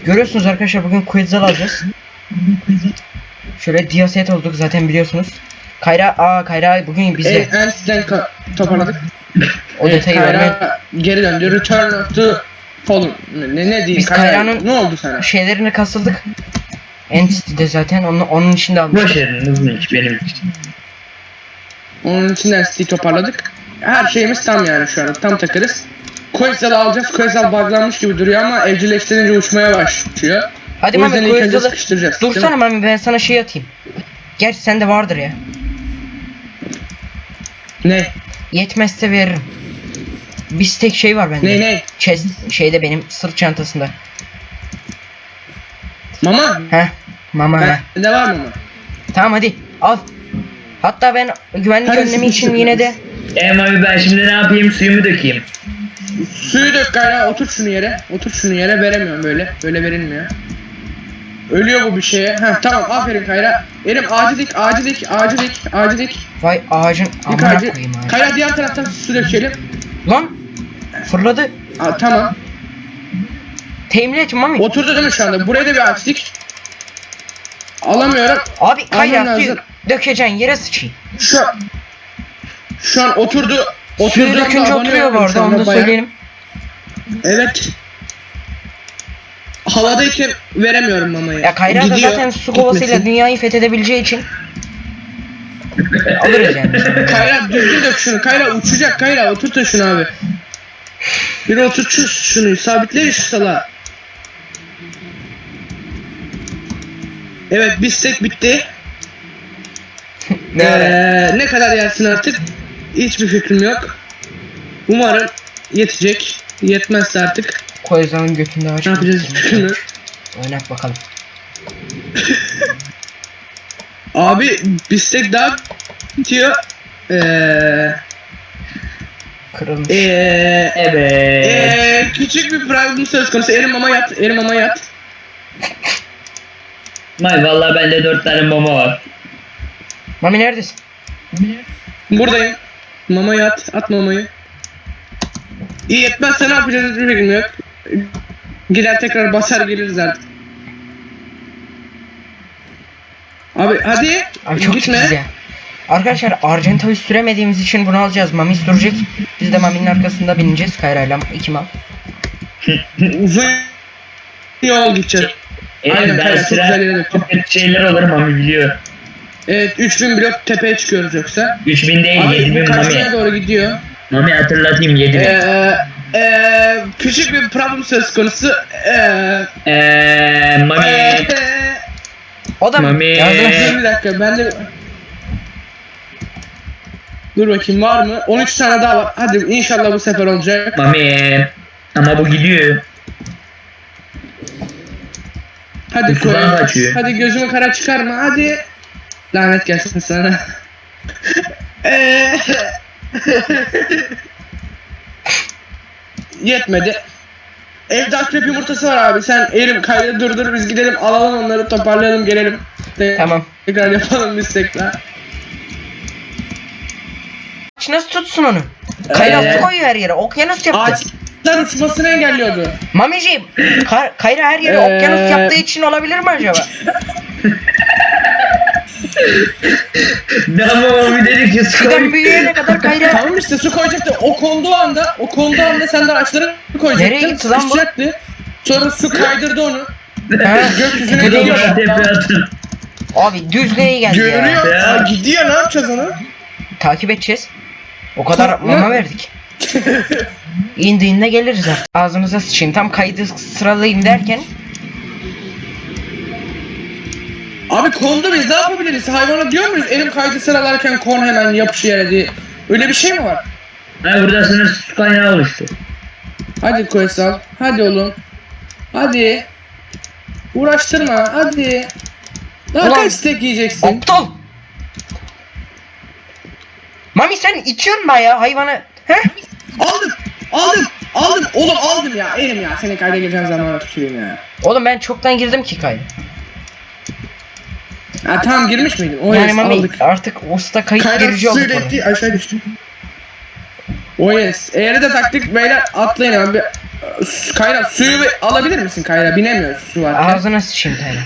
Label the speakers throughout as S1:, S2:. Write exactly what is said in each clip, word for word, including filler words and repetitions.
S1: Görüyorsunuz arkadaşlar, bugün Quetzal alacağız. Şöyle diyaset olduk zaten biliyorsunuz. Kayra, aa Kayra bugün bize.
S2: E, Ens'den toparladık.
S1: O detayı verme.
S2: Kayra geri döndü. Return to Fallen. Ne, ne diyeyim?
S1: Biz Kayra'nın
S2: ne oldu sana?
S1: şeylerini kasıldık. Entity'de zaten onun, onun içinde aldık.
S3: Boş verin, hızlı iş benim için.
S2: Onun için Ens'i toparladık. Her şeyimiz tam yani şu an. Tam takarız. Quetzal'ı alacağız. Quetzal buglanmış gibi duruyor ama evcilleştirince uçmaya başlıyor.
S1: Hadi
S2: O
S1: Mami
S2: yüzden ilk önce
S1: Quetzal'ı
S2: sıkıştıracağız.
S1: dursana Mami, ben sana şey atayım. Gerçi sende vardır ya.
S2: Ne?
S1: Yetmezse veririm. Bir tek şey var bende.
S2: Ne ne?
S1: Chest şeyde, benim sırt çantasında.
S2: Mama?
S1: Heh. Mama.
S2: Ben, ne var mama?
S1: Tamam hadi al. Hatta ben güvenlik
S2: Hadi
S1: önlemi için
S2: sıkıştır.
S1: yine de
S3: Em abi ben şimdi ne yapayım, suyumu dökeyim.
S2: Suyu dök Kayra, otur şunu yere. Otur şunu yere, veremiyorum böyle. Böyle verilmiyor. Ölüyor bu bir şeye. Heh tamam, aferin Kayra. Elim ağacı dik, ağacı dik, ağacı dik, ağacı dik.
S1: vay ağacın
S2: Dik
S1: amına
S2: ağacı.
S1: koyayım ağacı.
S2: Kayra diğer taraftan su dökelim.
S1: Lan fırladı.
S2: Aa, tamam.
S1: Temin et Mami.
S2: Oturdu değil mi şu anda? Buraya da bir ağaç dik. Alamıyorum.
S1: Abi Kayra
S2: Alman
S1: suyu
S2: lazım.
S1: dökeceksin yere sıçayım.
S2: Şu an, şu an oturdu.
S1: Suyu
S2: Oturduğunda
S1: dökünce
S2: abone
S1: oturuyor bu
S2: oldum şu
S1: arada, onu
S2: anda
S1: da
S2: bayağı.
S1: söyleyelim.
S2: Evet. Havadayken veremiyorum mamayı.
S1: Ya Kayra da
S2: Gidiyor,
S1: zaten su kovasıyla
S2: gitmesin.
S1: dünyayı fethedebileceği için alırız yani.
S2: Kayra düzgün dök şunu. Kayra uçacak. Kayra oturtun şunu abi. Bir oturt şu, şunu. Sabitleyin şu salağı. Evet, bistek bitti.
S1: Ne ara?
S2: Ee, ne kadar yersin artık? Hiçbir fikrim yok. Umarım yetecek. Yetmezse artık
S1: Koyuzanın götünde ağaç.
S2: ne yapacağız hiçbir fikrim yok.
S1: Oynat bakalım.
S2: Abi bistek daha bitiyor. Eee
S1: Kırılmış.
S2: Eee
S3: Evet.
S2: Eee küçük bir problem söz konusu. Elim mama yat. Elim mama yat.
S3: May vallahi bende dört tane mama var.
S1: Mami neredesin?
S2: Buradayım. Mama yat. At mamayı. İyi yetmezse ne yapacağız hiçbir fikrim yok. Gider tekrar basar geliriz artık. Abi hadi.
S1: Abi çok
S2: gitme.
S1: titiz ya. Arkadaşlar Argenta'yı süremediğimiz için bunu alacağız. Mami sürecek. Biz de Mami'nin arkasında bineceğiz. Kayra'yla iki mal.
S2: Uzun yol gideceğiz.
S3: Evet,
S2: Aynen,
S3: ben
S2: Kayra, çok
S3: sıra
S2: güzel yere döktüm.
S3: çok kötü şeyler olur mami biliyor.
S2: Evet, üç bin blok tepeye çıkıyoruz yoksa.
S3: üç bin değil, yedi
S2: Abi bu
S3: bin
S2: karşıya
S3: mami.
S2: doğru gidiyor.
S3: Mami hatırlatayım, yedi bin.
S2: Eee eee küçük bir problem söz konusu. Eee
S3: Eee mami.
S2: eee
S1: O da
S3: Mami.
S1: yardım.
S2: Dur bir dakika, ben de dur bakayım var mı? on üç tane daha var. Hadi inşallah bu sefer olacak.
S3: Mami. Ama bu gidiyor.
S2: Hadi koy.
S3: Kulağım kaçıyor.
S2: Hadi gözümü kara çıkarma. Hadi. Lanet gelsin sana. Eee Yetmedi. Evde akrep yumurtası var abi. Sen elim kaydı durdur, biz gidelim alalım onları, toparlayalım gelelim. Te-
S1: Tamam.
S2: Tekrar yapalım biz tekrar.
S1: Nasıl tutsun onu? Kayra
S3: Ee?
S1: su koyuyor her yere. Okyanus yaptı.
S2: Ağaçlar uçmasını engelliyordu.
S1: Mamiciğim, Ka- Kayra her yere
S2: Ee?
S1: okyanus yaptığı için olabilir mi acaba?
S3: Ne ama mami dedik ki
S1: Fidan
S3: sıkıntı.
S1: büyüyene kadar Kayra...
S2: Tamam işte, su koyacaktı. O konduğu anda, o konduğu anda sen de ağaçları koyacaktın.
S1: Nereye gitti lan bu?
S2: Sıçacaktı. Sonra su kaydırdı onu.
S1: Ha,
S2: Gökyüzüne
S1: bu değil
S2: gidiyor.
S1: mi?
S3: Tepe atın.
S1: Abi düzlüğe geldi ya.
S2: Görünüyor.
S3: Ya.
S2: Aa, gidiyor, ne yapacağız onu?
S1: Takip edeceğiz. O kadar
S2: Korkma.
S1: mama verdik. İndiğinde geliriz artık. Ağzınıza sıçayım. Tam kaydı sıralayayım derken
S2: Abi kondu, biz ne yapabiliriz? Hayvana diyor muyuz? Elim kaydı sıralarken kon hemen yapış yere diye. Öyle bir şey mi var?
S3: Ay burada sınırsız su kaynağı oluştu.
S2: Hadi Koysal. Hadi oğlum. Hadi. Uğraştırma. Hadi. Daha
S1: Ulan.
S2: kaç steak yiyeceksin?
S1: aptal. Mami sen içiyorsun bayağı hayvanı. He?
S2: Aldım. Aldım. Aldım. Oğlum aldım ya. Elim ya. Seni kayda geçen zamana tüküreyim ya.
S1: Oğlum ben çoktan girdim ki kaydı.
S2: Ha tamam, girmiş miydin? O
S1: Yani
S2: yes,
S1: Mami
S2: aldık.
S1: artık usta kayıt
S2: Kayra
S1: girici olduk.
S2: suyla
S1: orada.
S2: etti, aşağı düştü. O yes. Eğer de taktik beyler, atlayın abi. Su- Kayra suyu bir alabilir misin Kayra? Binemiyoruz su var.
S1: Ağzına sıçayım Kayra.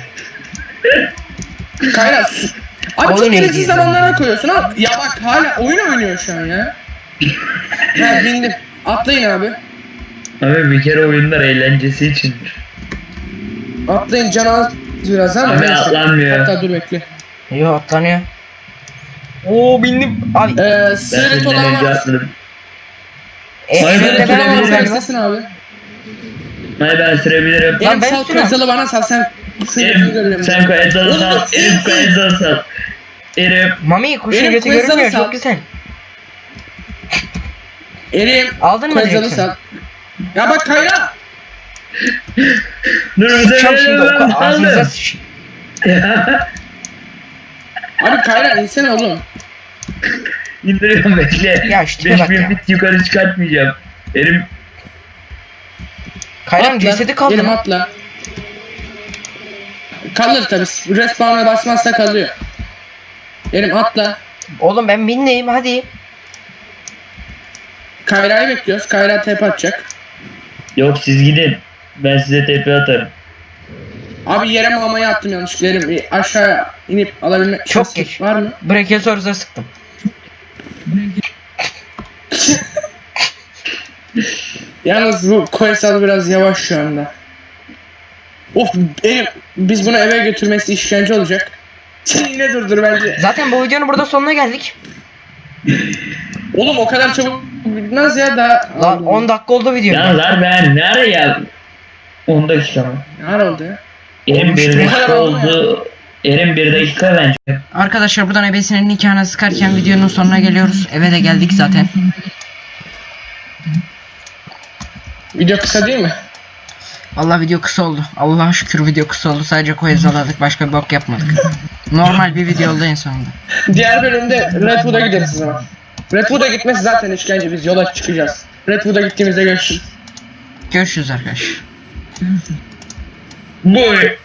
S2: Kayra su... Abi
S1: Oyun
S2: çok gereksiz
S1: ilgili.
S2: zamanlara koyuyorsun ha. Ya bak hala oyun oynuyor şu an ya. Ha bindim. Atlayın abi.
S3: Abi bir kere oyunlar eğlencesi içindir.
S2: Atlayın can az biraz ama
S3: Abi
S2: neyse.
S3: atlanmıyor.
S2: Hatta dur bekle.
S1: Yo atlanıyor. Oo bindim. Abi
S2: Ee,
S3: Ben
S2: sığırık
S3: senden
S2: olan
S3: önce
S2: var.
S3: atladım.
S1: e,
S3: Hayır,
S1: elimde
S3: ben
S1: ben varım
S3: sürebilirim.
S1: galiba.
S2: Sesini abi.
S3: Hayır ben sürebilirim.
S1: Ya
S2: Lan
S1: ben
S2: sal
S1: süremem.
S2: kayıtsalı bana sal sen.
S3: Erim sen kayıtları sal. Erim kayıtları sal. Erim.
S1: Mami kuşun
S2: Benim
S1: götü
S2: kuyuzalı
S1: görünmüyor
S2: sal.
S1: çok güzel.
S2: Erim.
S1: Aldın mı
S2: Kayıtsalı
S1: direksiyonu?
S2: sal. Ya bak Kayra.
S3: Dur bu
S1: Sıçacağım şimdi o
S3: sefer
S1: kadar ağzınıza sıçayım.
S2: Abi Kayra insene oğlum.
S3: İndiriyorum bekle.
S1: Ya şu tipe bak
S3: beş bin
S1: ya.
S3: bit yukarı çıkartmayacağım. Erim.
S1: Kayra'nın
S2: Atla,
S1: cesedi kaldı
S2: Erim
S1: mı?
S2: atla. Kalır tabi. Respawn'a basmazsa kalıyor. Erim atla.
S1: Oğlum ben binleyim hadi.
S2: Kayra'yı bekliyoruz. Kayra tepe atacak.
S3: Yok siz gidin. Ben size tepe atarım.
S2: Abi yere mamayı attım yanlışlıkla. Erim bir aşağı inip alabilme
S1: Çok
S2: şansı
S1: geç.
S2: var mı?
S1: Brachiosaurus'a sıktım.
S2: Yalnız bu Koysal biraz yavaş şu anda. Of Erim biz bunu eve götürmesi işkence olacak. Sen yine durdur bence.
S1: Zaten bu videonun burada sonuna geldik.
S2: Oğlum o kadar çabuk bitmez ya daha.
S1: Lan on dakika oldu video.
S3: Ya lan ben nereye geldim? on dakika mı?
S2: Ne ara oldu ya?
S3: Erim bir
S2: Bu kadar
S3: dakika
S2: oldu mu
S3: oldu. Erim bir dakika bence.
S1: Arkadaşlar buradan ebesinin nikahına sıkarken videonun sonuna geliyoruz. Eve de geldik zaten.
S2: Video kısa değil mi?
S1: Allah video kısa oldu. Allah'a şükür video kısa oldu. Sadece koyazaladık. Başka bir bok yapmadık. Normal bir video oldu en sonunda.
S2: Diğer bölümde Redwood'a gideriz o zaman. Redwood'a gitmesi zaten işkence, biz yola çıkacağız. Redwood'a gittiğimizde görüşürüz.
S1: Görüşürüz arkadaşlar.
S3: Bu